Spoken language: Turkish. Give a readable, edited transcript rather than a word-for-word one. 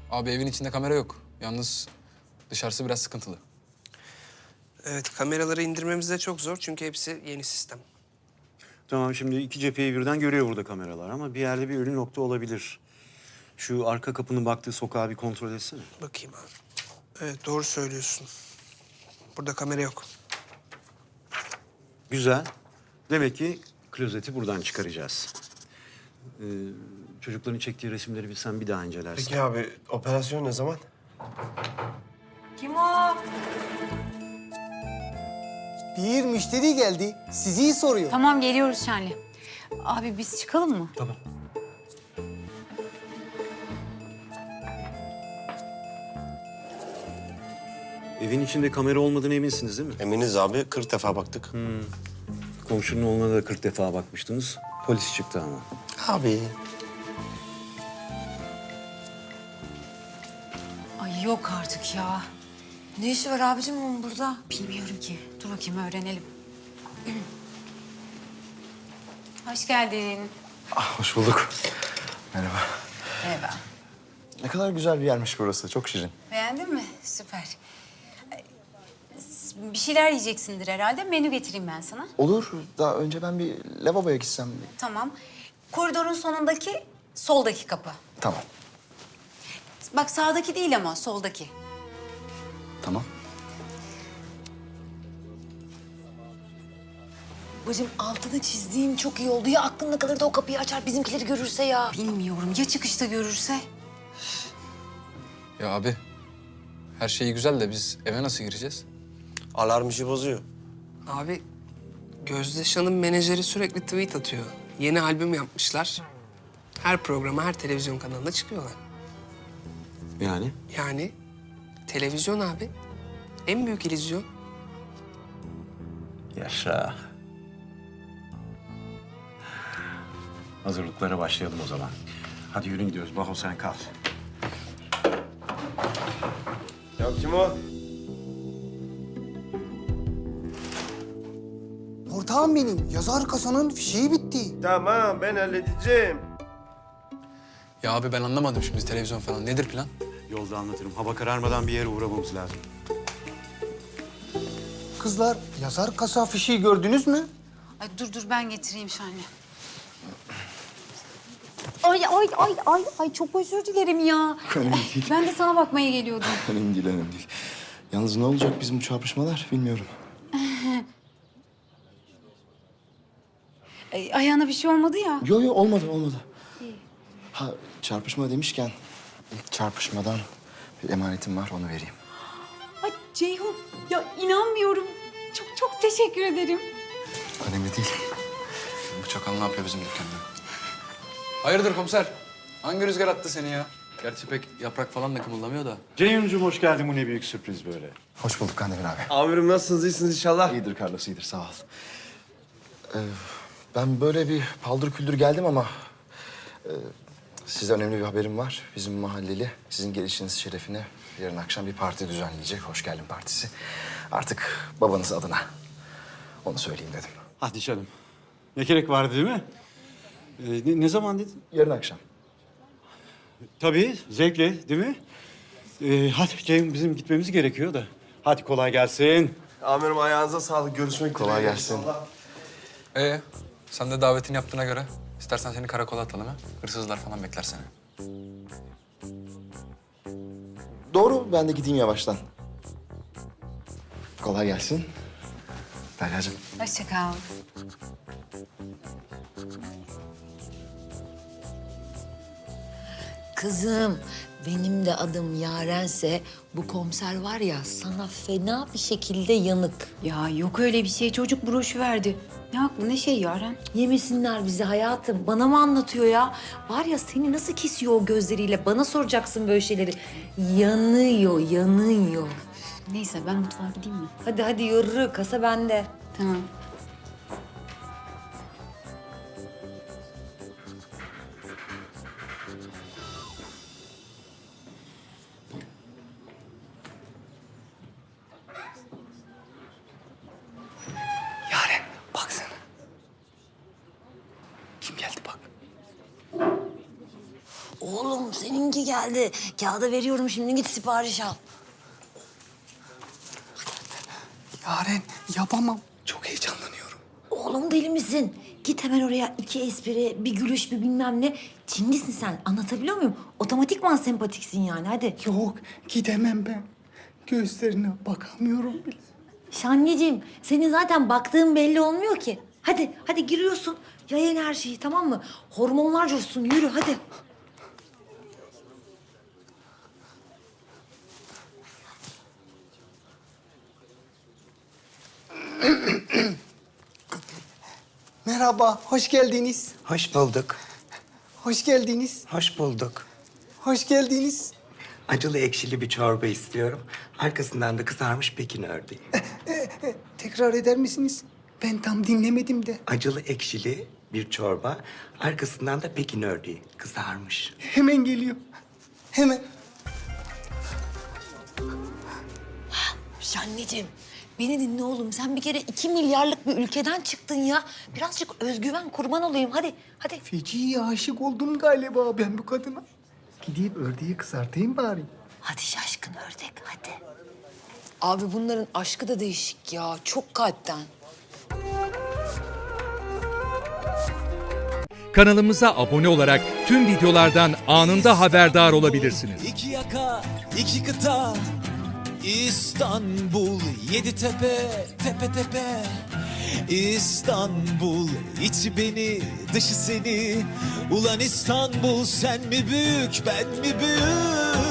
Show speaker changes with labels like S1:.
S1: Abi evin içinde kamera yok. Yalnız dışarısı biraz sıkıntılı.
S2: Evet, kameraları indirmemiz de çok zor çünkü hepsi yeni sistem.
S3: Tamam, şimdi iki cepheyi birden görüyor burada kameralar ama bir yerde bir ölü nokta olabilir. Şu arka kapının baktığı sokağı bir kontrol etsene.
S2: Bakayım abi. Evet, doğru söylüyorsun. Burada kamera yok.
S3: Güzel. Demek ki klozeti buradan çıkaracağız. Çocukların çektiği resimleri sen bir daha incelersin.
S4: Peki abi, operasyon ne zaman?
S5: Kim o?
S6: Bir müşteri geldi. Sizi soruyor.
S5: Tamam geliyoruz Şenli. Abi biz çıkalım mı?
S3: Tamam. Evin içinde kamera olmadığına eminsiniz değil mi?
S4: Eminiz abi, 40 defa baktık.
S3: Komşunun oğluna da 40 defa bakmıştınız. Polis çıktı ama.
S4: Abi.
S5: Ay yok artık ya.
S7: Ne işi var abicim onun burada?
S5: Bilmiyorum ki. Dur bakayım öğrenelim. Hoş geldin.
S8: Hoş bulduk. Merhaba.
S5: Merhaba.
S8: Ne kadar güzel bir yermiş burası. Çok şirin.
S5: Beğendin mi? Süper. Bir şeyler yiyeceksindir herhalde. Menü getireyim ben sana.
S8: Olur. Daha önce ben bir lavaboya gitsem.
S5: Tamam. Koridorun sonundaki soldaki kapı.
S8: Tamam.
S5: Bak sağdaki değil ama soldaki.
S8: Tamam.
S7: Bacım altını çizdiğin çok iyi oldu. Ya aklında kalır da o kapıyı açar bizimkileri görürse ya.
S5: Bilmiyorum. Ya çıkışta görürse?
S1: Ya abi her şey güzel de biz eve nasıl gireceğiz?
S4: Alarm işi bozuyor.
S2: Abi, Gözde Şan'ın menajeri sürekli tweet atıyor. Yeni albüm yapmışlar. Her programa, her televizyon kanalına çıkıyorlar.
S3: Yani?
S2: Yani televizyon abi. En büyük illüzyon.
S3: Yaşa. Hazırlıklara başlayalım o zaman. Hadi yürü gidiyoruz. Baho sen kal.
S4: Ya kim o?
S6: Ortağım benim. Yazar kasanın fişeği bitti.
S4: Tamam, ben halledeceğim.
S1: Ya abi ben anlamadım şimdi televizyon falan. Nedir plan?
S3: Yolda anlatırım. Hava kararmadan bir yere uğramamız lazım.
S6: Kızlar, yazar kasa fişeği gördünüz mü?
S5: Ay dur ben getireyim Şenli. Ay çok özür dilerim ya.
S8: Önemli değil.
S5: Ben de sana bakmaya geliyordum.
S8: Önemli değil, önemli değil. Yalnız ne olacak bizim bu çarpışmalar bilmiyorum.
S5: Ayağına bir şey olmadı ya.
S8: Yo olmadı, olmadı. Ha, çarpışma demişken çarpışmadan bir emanetim var, onu vereyim.
S5: Ay Ceyhun ya inanmıyorum. Çok teşekkür ederim.
S8: Önemli değil.
S1: Bu çakal ne yapıyor bizim dükkanda? Hayırdır komiser? Hangi rüzgar attı seni ya? Gerçi pek yaprak falan da kımıldamıyor da.
S3: Ceyhun'cum hoş geldin. Bu ne büyük sürpriz böyle.
S8: Hoş bulduk Kandemir abi.
S4: Amirim nasılsınız, iyisiniz inşallah?
S8: İyidir Carlos, iyidir. Sağ ol. Ben böyle bir paldır küldür geldim ama... size önemli bir haberim var. Bizim mahalleli sizin gelişiniz şerefine yarın akşam bir parti düzenleyecek. Hoş geldin partisi. Artık babanız adına. Onu söyleyeyim dedim.
S3: Hadi canım. Ne gerek vardı değil mi? Ne zaman dedin?
S8: Yarın akşam.
S3: Tabii, zevkle değil mi? Hadi Ceyhun, bizim gitmemiz gerekiyor da. Hadi kolay gelsin.
S4: Amirim ayağınıza sağlık, görüşmek üzere.
S8: Kolay gelsin.
S1: Sen de davetini yaptığına göre istersen seni karakola atalım ha. Hırsızlar falan bekler seni.
S8: Doğru, ben de gideyim yavaştan. Kolay gelsin. Derya'cığım.
S5: Hoşça kal.
S7: Kızım benim de adım Yarense bu komiser var ya sana fena bir şekilde yanık.
S5: Ya yok öyle bir şey. Çocuk broşu verdi. Ne aklı ne şey Yaren?
S7: Yemesinler bizi hayatım. Bana mı anlatıyor ya? Var ya seni nasıl kesiyor o gözleriyle? Bana soracaksın böyle şeyleri. Yanıyor, yanıyor.
S5: Neyse ben mutfağa gideyim mi?
S7: Hadi yürü. Kasa bende.
S5: Tamam.
S8: Yaren, baksana. Kim geldi bak.
S7: Oğlum seninki geldi. Kağıda veriyorum şimdi git sipariş al.
S6: Yaren yapamam. Çok heyecanlanıyorum.
S7: Oğlum deli misin? Git hemen oraya 2 espri, bir gülüş, bir bilmem ne. Çinlisin sen. Anlatabiliyor muyum? Otomatikman sempatiksin yani hadi.
S6: Yok gidemem ben. Gözlerine bakamıyorum bile.
S7: Şanneciğim senin zaten baktığın belli olmuyor ki. Hadi giriyorsun. Yayın her şeyi tamam mı? Hormonlar coşsun yürü hadi.
S6: Merhaba, hoş geldiniz.
S9: Hoş bulduk.
S6: Hoş geldiniz.
S9: Hoş bulduk.
S6: Hoş geldiniz.
S9: Acılı ekşili bir çorba istiyorum. Arkasından da kızarmış Pekin ördeği.
S6: Tekrar eder misiniz? Ben tam dinlemedim de.
S9: Acılı ekşili bir çorba. Arkasından da Pekin ördeği kızarmış.
S6: Hemen geliyor. Hemen.
S7: Şanneciğim beni dinle oğlum. Sen bir kere 2 milyarlık bir ülkeden çıktın ya. Birazcık özgüven kurban olayım hadi.
S6: Feci aşık oldum galiba ben bu kadına. Gidip ördeği kızartayım bari.
S7: Hadi şaşkın ördek hadi.
S5: Abi bunların aşkı da değişik ya. Çok kalpten.
S10: Kanalımıza abone olarak tüm videolardan anında haberdar olabilirsiniz.
S11: İki yaka, iki kıta, İstanbul, 7 tepe, tepe tepe. İstanbul, içi beni, dışı seni. Ulan İstanbul, sen mi büyük, ben mi büyük?